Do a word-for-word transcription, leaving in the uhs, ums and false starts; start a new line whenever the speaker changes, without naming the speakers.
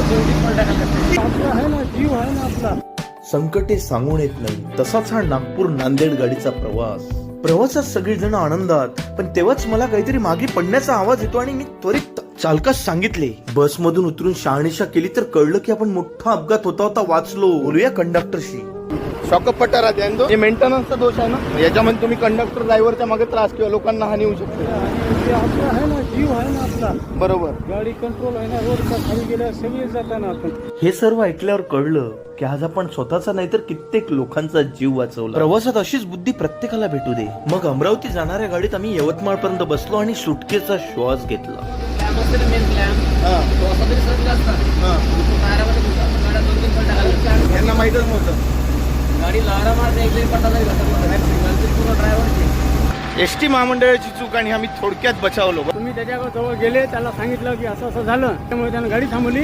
आहे ना, जीव आहे ना आपला.
संकटे सांगून येत नाही, तसाच हा नागपूर नांदेड गाडीचा प्रवास. प्रवासात सगळीजण आनंदात, पण तेव्हाच मला काहीतरी मागे पडण्याचा आवाज येतो आणि मी त्वरित चालकास सांगितले. बसमधून उतरून शहानिशा केली तर कळलं की आपण मोठा अपघात होता होता वाचलो. बोलूया कंडक्टरशी.
शॉकअप पट्टा राहते आणि तो मेंटेनन्सचा दोष आहे ना, याच्यामध्ये तुम्ही कंडक्टर ड्रायव्हरच्या मागे त्रास किंवा लोकांना हानी होऊ शकते.
ते आपला आहे ना, जीव आहे ना आपला.
बरोबर.
गाडी कंट्रोल आहे ना, रोडच्या खाली गेल्या सगळे जाताना आपण.
हे सर्व ऐकल्यावर कळलं की आज आपण स्वतःचा नाही तर कित्येक लोकांचा जीव वाचवला. प्रवासात अशीच बुद्धी प्रत्येकाला भेटू दे. मग अमरावती जाणाऱ्या गाडीत आम्ही यवतमाळ पर्यंत बसलो आणि सुटकेचा श्वास घेतला.
यांना माहितच नव्हतं. एस टी महामंडळाची चूक आणि आम्ही थोडक्यात बचावलो.
तुम्ही त्याच्या जवळ गेले, त्याला सांगितलं की असं असं झालं, त्यामुळे त्यानं गाडी थांबवली.